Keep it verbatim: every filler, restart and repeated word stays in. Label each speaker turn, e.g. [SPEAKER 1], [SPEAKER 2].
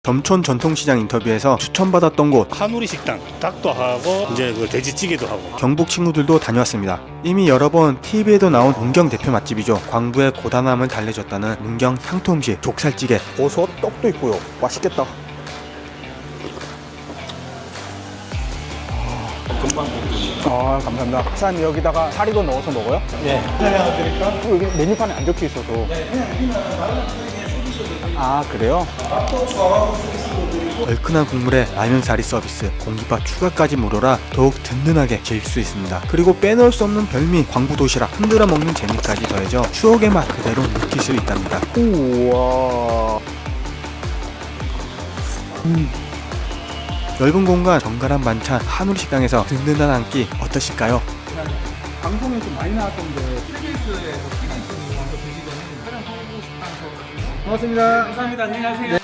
[SPEAKER 1] 점촌 전통시장 인터뷰에서 추천받았던 곳
[SPEAKER 2] 한우리 식당 닭도 하고 이제 그 돼지찌개도 하고
[SPEAKER 1] 경북 친구들도 다녀왔습니다. 이미 여러 번 티비에도 나온 문경 대표 맛집이죠. 광부의 고단함을 달래줬다는 문경 향토음식 족살찌개.
[SPEAKER 3] 버섯 떡도 있고요. 맛있겠다. 아 감사합니다. 사장님 여기다가 사리도 넣어서 먹어요?
[SPEAKER 2] 네.
[SPEAKER 3] 어, 여기 메뉴판에 안 적혀 있어서. 아 그래요?
[SPEAKER 1] 얼큰한 국물에 라면사리 서비스, 공깃밥 추가까지 무료라 더욱 든든하게 즐길 수 있습니다. 그리고 빼놓을 수 없는 별미 광부 도시락, 흔들어 먹는 재미까지 더해져 추억의 맛 그대로 느낄 수 있답니다.
[SPEAKER 3] 우와.
[SPEAKER 1] 음. 넓은 공간, 정갈한 반찬, 한우리 식당에서 든든한 한 끼 어떠실까요?
[SPEAKER 3] 방송에 좀 많이 나왔던데 케이비에스에서 티비 분이 먼저 드시더니 촬영하고 싶다면서. 고맙습니다.
[SPEAKER 4] 감사합니다. 안녕히 가세요.